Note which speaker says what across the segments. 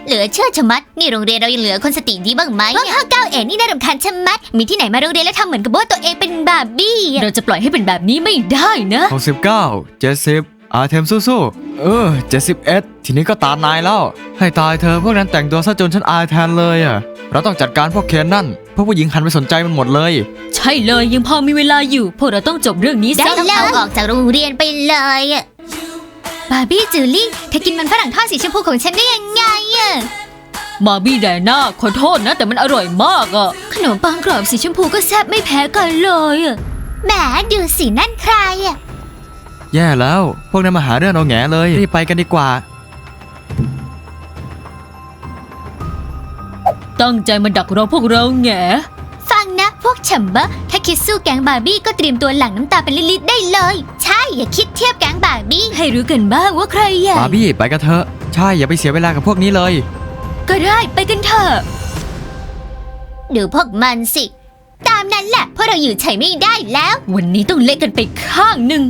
Speaker 1: เหลือเชื่อชะมัดนี่โรงเรียนเรายังเหลือคนสติดีบ้างไหมพวก59 เอ็ดนี่น่ารำคาญชะมัดมีที่ไหนมาโรงเรียนแล้วทำเหมือนกับว่าตัวเองเป็นบาร์บี้เราจะปล่อยให้เป็นแบบนี้ไม่ได้นะ
Speaker 2: 69 70อาเทมสู้ๆ71ทีนี้ก็ตามนายแล้วให้ตายเธอพวกนั้นแต่งตัวซะจนฉันอายแทนเลยอ่ะเราต้องจัดการพวกเคนนั่นพวกผู้หญิงหันไปสนใจมันหมดเลย
Speaker 3: ใช่เลยยังพอมีเวลาอยู่พวกเราต้องจบเรื่องนี้
Speaker 1: ได้
Speaker 3: ซะ
Speaker 1: แล้วเอาออกจากโรงเรียนไปเลยบาร์บี้จูลี่เธอกินมันฝรั่งทอดสีชมพูของฉันได้ยังไง
Speaker 3: มาบี้แดน่าขอโทษนะแต่มันอร่อยมากอ่ะ
Speaker 1: ขนมปังกรอบสีชมพูก็แซ่บไม่แพ้กันเลยแหมดูสินั่นใคร
Speaker 2: แย่แล้วพวกนั้นมาหาเรื่องเอาแง่เลยรีบไปกันดีกว่า
Speaker 3: ตั้งใจมาดักรอพวกเราแง่
Speaker 1: ฟังนะพวกฉัมเบอร์ถ้าคิดสู้แก๊งบาร์บี้ก็เตรียมตัวหลั่งน้ำตาเป็นลิตรได้เลยใช่อย่าคิดเทียบแก๊งบาร์บี้
Speaker 3: ให้รู้กันบ้างว่าใครใหญ่
Speaker 2: บาร์บี้ไปกันเถอะใช่อย่าไปเสียเวลากับพวกนี้เลย
Speaker 3: ก็ได้ไปกันเถอะ
Speaker 1: ดูพวกมันสิตามนั้นแหละเพราะเราอยู่เฉยไม่ได้แล้ว
Speaker 3: วันนี้ต้องเละกันไปข้างหนึ่ง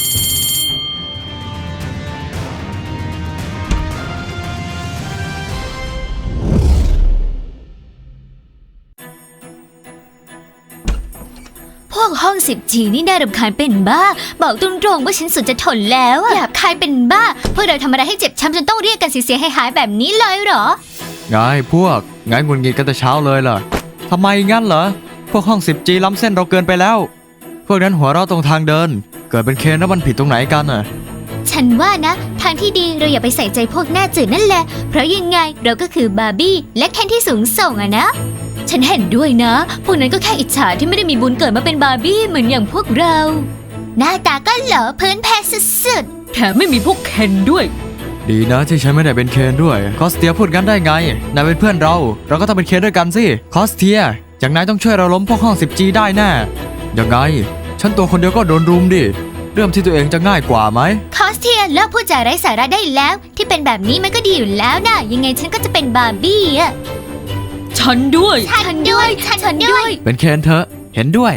Speaker 1: พวกห้อง 10G นี่น่ารำคาญเป็นบ้าบอกตรงๆว่าฉันสุดจะทนแล้วหยาบคายเป็นบ้าพวกเราทำอะไรให้เจ็บช้ำจนต้องเรียกกันเสียหายแบบนี้เลยเหรอ
Speaker 2: ไงพวกไงงุนงิดกันแต่เช้าเลยล่ะทำไมงั้นเหรอพวกห้อง 10G ล้ำเส้นเราเกินไปแล้วพวกนั้นหัวเราะตรงทางเดินเกิดเป็นเคนแล้วมันผิดตรงไหนกันน่ะ
Speaker 1: ฉันว่านะทางที่ดีเราอย่าไปใส่ใจพวกหน้าจืดนั่นแหละเพราะยังไงเราก็คือบาร์บี้และเคนที่สูงส่งนะฉันเห็นด้วยนะพวกนั้นก็แค่อิจฉาที่ไม่ได้มีบุญเกิดมาเป็นบาร์บี้เหมือนอย่างพวกเราหน้าตาก็เหลอพื้นแพ้สุด
Speaker 3: ๆแถมไม่มีพวกเคนด้วย
Speaker 2: ดีนะที่ฉันไม่ได้เป็นเคนด้วยคอสเทียพูดกันได้ไงนายเป็นเพื่อนเราก็ต้องเป็นเคนด้วยกันสิคอสเทียอย่างนายต้องช่วยเราล้มพวกห้อง 10G ได้แน่ยังไงฉันตัวคนเดียวก็โดนรุมดิเรื่องที่ตัวเองจะง่ายกว่าไหม
Speaker 1: คอสเทียเลิกพูดจาไร้สาระได้แล้วที่เป็นแบบนี้มันก็ดีอยู่แล้วนะยังไงฉันก็จะเป็นบาร์บี้
Speaker 3: ฉันด้วย
Speaker 1: ฉันด้วย
Speaker 2: เป็นเคนเถอะเห็นด้วย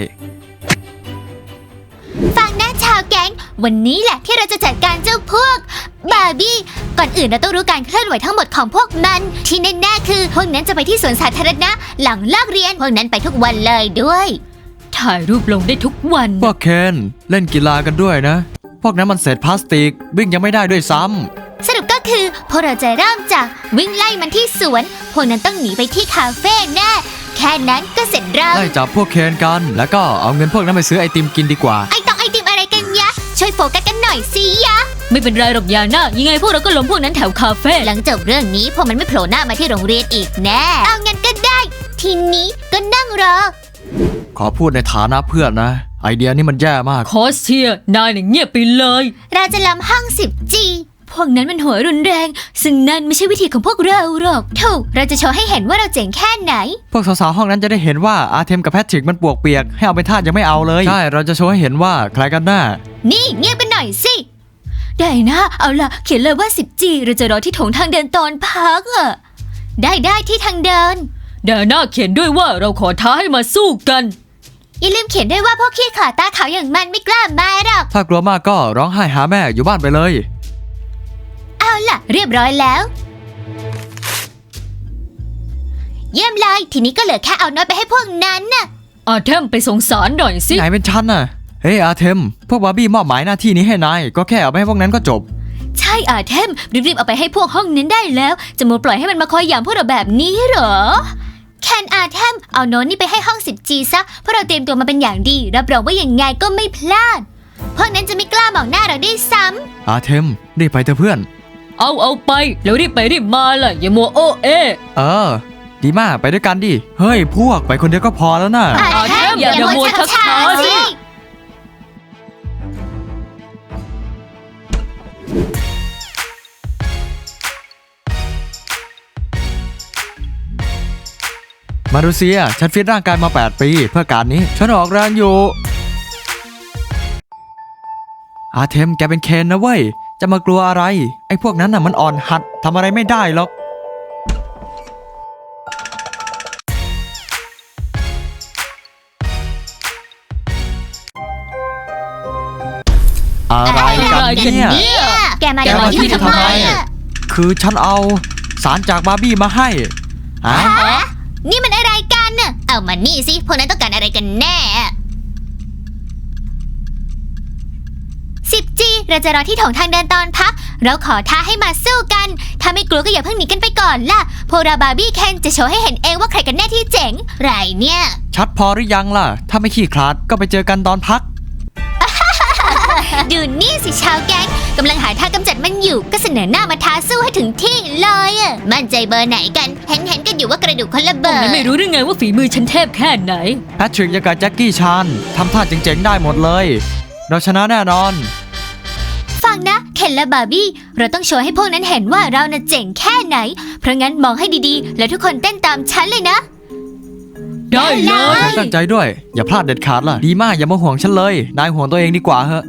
Speaker 1: ฟังนะชาวแก๊งวันนี้แหละที่เราจะจัดการเจ้าพวกบาร์บี้ก่อนอื่นเราต้องรู้การเคลื่อนไหวทั้งหมดของพวกมันที่แน่ๆคือพวกนั้นจะไปที่สวนสาธารณะหลังเลิกเรียนพวกนั้นไปทุกวันเลยด้วย
Speaker 3: ถ่ายรูปลงได้ทุกวัน
Speaker 2: พวกเคนเล่นกีฬากันด้วยนะพวกนั้นมันเศษพลาสติกวิ่งยังไม่ได้ด้วยซ้ำ
Speaker 1: สรุปก็คือพวกเราจะเริ่มจากวิ่งไล่มันที่สวนพวกนั้นต้องหนีไปที่คาเฟ่แน่แค่นั้นก็เสร็จเรา
Speaker 2: ไล่จับพวกเคนกันแล้วก็เอาเงินพวกนั้นไปซื้อไอติมกินดีกว่า
Speaker 1: ไอติมอะไรกันยะช่วยโฟกัสกันหน่อยสิยะ
Speaker 3: ไม่เป็นไรหรอกยาน่ายังไงพวกเราก็ล้มพวกนั้นแถวคาเฟ่
Speaker 1: หลังจบเรื่องนี้พวกมันไม่โผล่หน้ามาที่โรงเรียนอีกแน่เอางั้นก็ได้ทีนี้ก็นั่งรอ
Speaker 2: ขอพูดในฐานะเพื่อนนะไอเดียนี่มันแย่มาก
Speaker 3: คอสเทียนายเนี่ยเงียบไปเลย
Speaker 1: เราจะล้ำห้อง 10G พวกนั้นมันหัวรุนแรงซึ่งนั่นไม่ใช่วิธีของพวกเราหรอกถูกเราจะโชว์ให้เห็นว่าเราเจ๋งแค่ไหน
Speaker 2: พวกสาวๆห้องนั้นจะได้เห็นว่าอาเทมกับแพทริกมันปวกเปียกให้เอาไปทาสยังไม่เอาเลยใช่เราจะโชว์ให้เห็นว่าใครกันหน้า
Speaker 1: นี่เงียบกันหน่อยสิได้นะเอาล่ะเขียนเลยว่า 10G เราจะรอที่โถงทางเดินตอนพักได้ที่ทางเดิน
Speaker 3: เดี๋ยวหน้าเขียนด้วยว่าเราขอท้าให้มาสู้กัน
Speaker 1: อย่าลืมเขียนด้วยว่าพวกขี้ขลาดตาขาวอย่างมันไม่กล้ามาหรอก
Speaker 2: ถ้ากลัวมากก็ร้องไห้หาแม่อยู่บ้านไปเลย
Speaker 1: เอาล่ะเรียบร้อยแล้วเยี่ยมเลยทีนี้ก็เหลือแค่เอาโน้ตไปให้พวกนั้นน่ะ
Speaker 3: อาเทมไปส่งสารหน่อยสิ
Speaker 2: ไหนเป็นฉันน่ะเฮ้ยอาเทมพวกบาร์บี้มอบหมายหน้าที่นี้ให้นายก็แค่เอาไปให้พวกนั้นก็จบ
Speaker 1: ใช่อาเทมรีบเอาไปให้พวกห้องนั้นได้แล้วจะมัวปล่อยให้มันมาคอยหยามพวกเราแบบนี้เหรอแคนอาเทมเอาโน้ตนี่ไปให้ห้อง 10G ซะเพราะเราเตรียมตัวมาเป็นอย่างดีรับรองว่าอย่างไงก็ไม่พลาดพวกนั้นจะไม่กล้ามองหน้าเราได้ซ้
Speaker 2: ำอาเทมรีบไปเถอะเพื่อน
Speaker 3: เอาไปแล้วรีบไปรีบมาล่ะอย่ามัวโอ
Speaker 2: ดีมากไปด้วยกันดิเฮ้ยพวกไปคนเดียวก็พอแล้วนะ
Speaker 1: อาเทมอย่ามัวช้าสิ
Speaker 2: มารูเซียฉันฟิตร่างกายมา8 ปีเพื่อการนี้ฉันออกแรงอยู่อาเทมแกเป็นเคนนะเว้ยจะมากลัวอะไรไอ้พวกนั้นน่ะมันอ่อนหัดทำอะไรไม่ได้หรอกอะไรกันเนี่ย
Speaker 1: แกมาที่ทำไม
Speaker 2: คือฉันเอาสารจากบาร์บี้มาให้ฮะ
Speaker 1: ฮะนี่มันอะไรกันน่ะเอามานี่สิพวกนั้นต้องการอะไรกันแน่ 10G เราจะรอที่โถงทางเดินตอนพัก เราขอท้าให้มาสู้กัน ถ้าไม่กลัวก็อย่าเพิ่งหนีกันไปก่อนล่ะ พวกเราบาร์บี้เคนจะโชว์ให้เห็นเองว่าใครกันแน่ที่เจ๋งไรเนี่ย
Speaker 2: ชัดพอหรือยังล่ะ ถ้าไม่ขี้คลาดก็ไปเจอกันตอนพัก
Speaker 1: ดูนี่สิชาวแก๊งกำลังหาทางกำจัดมันอยู่ก็เสนอหน้ามาท้าสู้ให้ถึงที่เลยอะมั่นใจเบอร์ไหนกันเห็นกันอยู่ว่ากระดูกคนละเบอร์
Speaker 3: มันไม่รู้ได้ไงว่าฝีมือฉันเทพแค่ไหน
Speaker 2: แพทริกยังกับแจ็คกี้ชานทำท่าเจ๋งๆได้หมดเลย เราชนะแน่นอน
Speaker 1: ฟังนะเคนและบาร์บี้เราต้องโชว์ให้พวกนั้นเห็นว่าเราน่ะเจ๋งแค่ไหน เพราะงั้นมองให้ดีๆ แล้วทุกคนเต้นตามฉันเลยนะ
Speaker 3: ได้เล
Speaker 1: ได้
Speaker 3: ย
Speaker 2: ฉันตั้งใจด้วย อย่าพลาดเด็ดขาดล่ะ ดีมากอย่ามาห่วงฉันเลย นายห่วงตัวเองดีกว่าเหอะ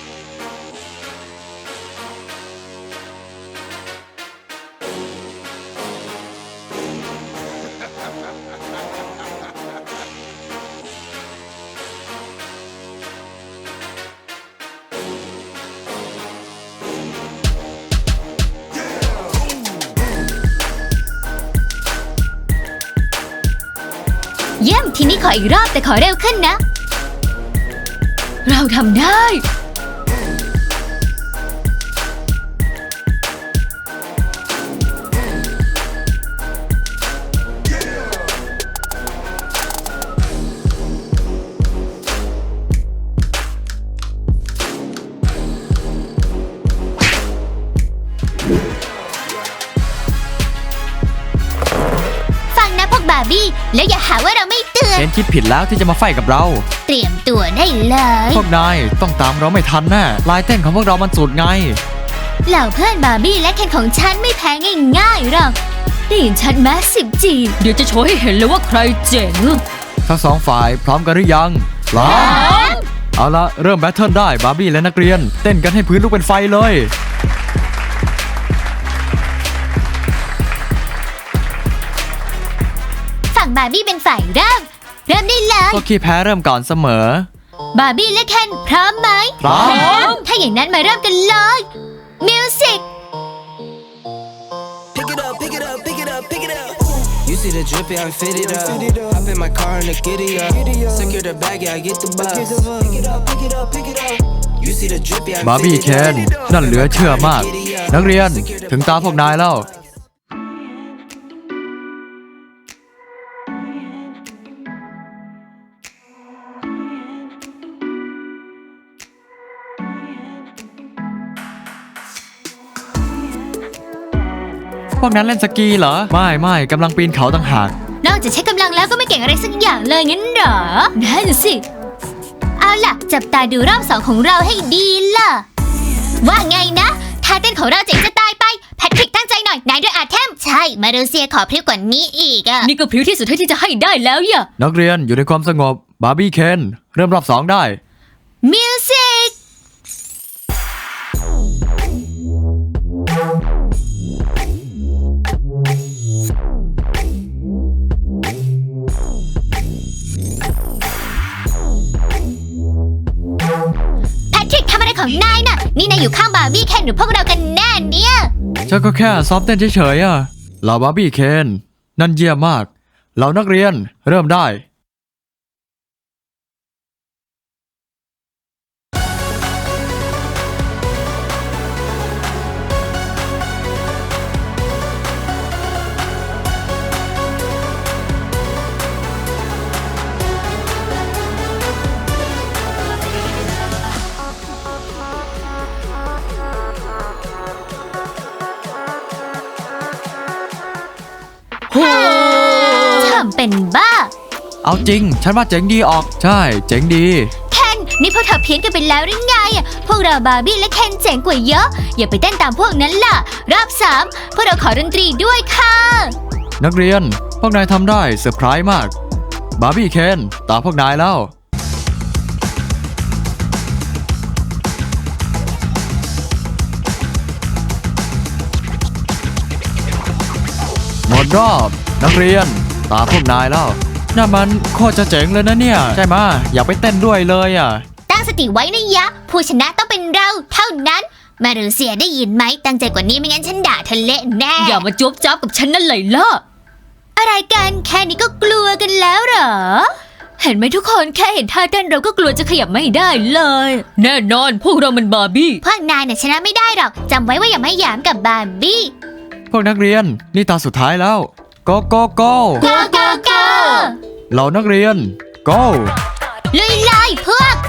Speaker 1: เยี่ยมทีนี้ขออีกรอบแต่ขอเร็วขึ้นนะ
Speaker 3: เราทำได้
Speaker 1: ฟังนะพวกบาร์บี้แล้วอย่าหาว่าเราไม่เตือน
Speaker 2: เคนคิดผิดแล้วที่จะมาไฟกับเรา
Speaker 1: เตรียมตัวได้เลย
Speaker 2: พวกนายต้องตามเราไม่ทันแน่ลายเต้นของพวกเรามันสุดไง
Speaker 1: เหล่าเพื่อนบาร์บี้และเคนของฉันไม่แพ้ง่ายๆหรอกได้ยินชัดไหม 10G
Speaker 3: เดี๋ยวจะโชว์ให้เห็นเลยว่าใครเจ๋ง
Speaker 2: ทั้งสองฝ่ายพร้อมกันหรือยังพร้อมเอาละเริ่มแบทเทิลได้บาร์บี้และนักเรียน เต้นกันให้พื้นลุกเป็นไฟเลย
Speaker 1: ฝั่งบาร์บี้เป็นฝ่ายเริ่มได้เลย
Speaker 2: ก็ขี้แพ้เริ่มก่อนเสมอ
Speaker 1: บาร์บี้และเคนพร้อมไหม
Speaker 2: พร้อม
Speaker 1: ถ้าอย่างนั้นมาเริ่มกันเลยมิวสิก
Speaker 4: Pick it up, pick it up, pick it up, pick it up. You see the drip, yeah, I'm fitted up. Hop in my car and the giddy up. Secure the bag, yeah, I get the bus. Pick it up, pick it up, pick it up. You see the drip, yeah, I'm
Speaker 2: บาร์บี้เคนนั่นเหลือเชื่อมาก นักเรียนถึงตาพวกนายแล้ว พวกนั้นเล่นสกีเหรอ ไม่กำลังปีนเขาต่างหาก
Speaker 1: นอกจากใช้กำลังแล้วก็ไม่เก่งอะไรสักอย่างเลยงั้นเหรอนั่นสิ เอาล่ะ จับตาดูรอบสองของเราให้ดีล่ะ ว่าไงนะท่าเต้นของเราเจ๋งจะตายไป แพทริกตั้งใจหน่อยนายด้วยอาเทม ใช่ มาเลเซียขอพริ้วกว่านี้อีกอะ
Speaker 3: นี่ก็พริ้วที่สุดเท่าที่จะให้ได้แล้วอย่า
Speaker 2: นักเรียนอยู่ในความสงบบาร์บี้เคนเริ่มรอบสองได้
Speaker 1: มิวสิก แพทริกทำอะไรของนายน่ะ นี่นายอยู่ข้างบาร์บี้เคนหรือพวกเรากันแน่เนี่ย
Speaker 2: ฉันก็แค่ซ้อมเต้นเฉยๆอะเหล่าบาร์บี้เคนนั่นเยี่ยมมากเหล่านักเรียนเริ่มได้
Speaker 1: ทำเป็นบ้า
Speaker 2: เอาจริง ฉันว่าเจ๋งดีออก ใช่ เจ๋งดี
Speaker 1: เคนนี่พวกเธอเพี้ยนกันไปแล้วหรือไงอะพวกเราบาร์บี้และเคนเจ๋งกว่าเยอะ อย่าไปเต้นตามพวกนั้นล่ะ รอบ3พวกเราขอดนตรีด้วยค่ะ
Speaker 2: นักเรียน พวกนายทำได้เซอร์ไพรส์มาก บาร์บี้เคนตามพวกนายแล้ว หมดรอบนักเรียนตามพวกนายแล้วน่ามันโคตรจะเจ๋งเลยนะเนี่ย ใช่ไหมะอยากไปเต้นด้วยเลยอ่ะ
Speaker 1: ตั้งสติไว้นะยะ ผู้ชนะต้องเป็นเราเท่านั้นมารูเซียได้ยินไหมตั้งใจกว่านี้ไม่งั้นฉันด่าเธอเละแน่
Speaker 3: อย่ามาจบจ้าบกับฉันนั่นเลยล่ะ
Speaker 1: อะไรกันแค่นี้ก็กลัวกันแล้วเหรอ เห็นไหมทุกคนแค่เห็นท่าเต้นเราก็กลัวจะขยับไม่ได้เลย
Speaker 3: แน่นอนพวกเรามันบาร์บี้
Speaker 1: พวกนายน่ะชนะไม่ได้หรอกจำไว้ว่าอย่ามาหยามกับบาร์บี้
Speaker 2: พวกนักเรียนนี่ตาสุดท้ายแล้ว go go go
Speaker 1: go go go
Speaker 2: เหล่านักเรียน go
Speaker 1: ลุยเลยพวก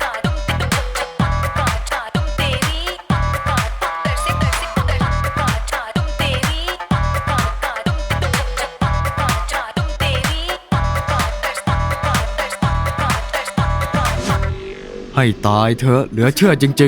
Speaker 2: ให้ตายเถอะเหลือเชื่อจริง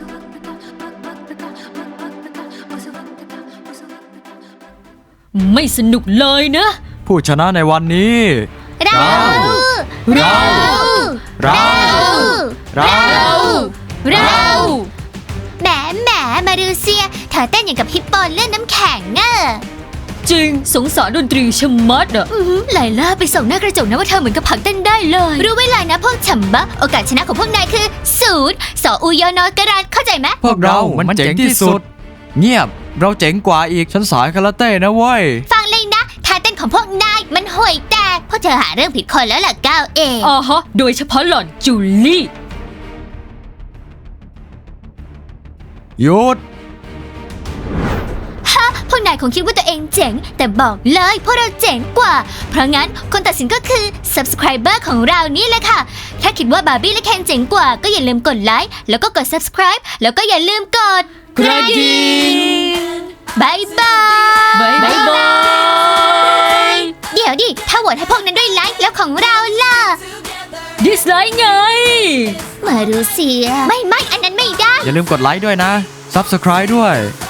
Speaker 3: ไม่สนุกเลยนะ
Speaker 2: ๆ ผู้ชนะในวันนี้
Speaker 1: เรา
Speaker 2: เรา
Speaker 1: เรา
Speaker 2: เรา
Speaker 1: เรา แหมมารูเซียเธอเต้นอย่างกับฮิปโปเล่นน้ำแข็งอะ
Speaker 3: จริงสงสารดนตรีชะมัดอ่ะ
Speaker 1: ไลล่าไปส่งหน้ากระจกนะว่าเธอเหมือนกับผักเต้นได้เลย รู้ไว้เลยนะพวกฉ่ำบะโอกาสชนะของพวกนายคือ0สออุยอนอกระดานเข้าใจไหม
Speaker 2: พวกเรามันเจ๋งที่สุด เงียบเราเจ๋งกว่าอีกฉันสายคาราเต้นะเว้ย
Speaker 1: ฟังเลยนะท่าเต้นของพวกนายมันห่วยแตกเพราะเธอหาเรื่องผิดคนแล้วล่ะก้าวเอง
Speaker 3: อ่าฮะ โดยเฉพาะหล่อนจูลี่
Speaker 2: หยุด
Speaker 1: พวกนายคงคิดว่าตัวเองเจ๋ง แต่บอกเลยพวกเราเจ๋งกว่า เพราะงั้นคนตัดสินก็คือ subscriber ของเรานี่แหละค่ะ ถ้าคิดว่าบาร์บี้และเคนเจ๋งกว่าก็อย่าลืมกดไลค์แล้วก็กด subscribe แล้วก็อย่าลืมกด
Speaker 3: กระดิ่ง
Speaker 1: บายบาย
Speaker 3: บ๊ายบาย
Speaker 1: เดี๋ยวดิ ถ้าโหวตให้พวกนั้นด้วยไลค์แล้วของเราล่ะ
Speaker 3: ดิสไลค์ไง
Speaker 1: มารูเซีย ไม่อันนั้นไม่ได้
Speaker 2: อย่าลืมกดไลค์ด้วยนะ subscribe ด้วย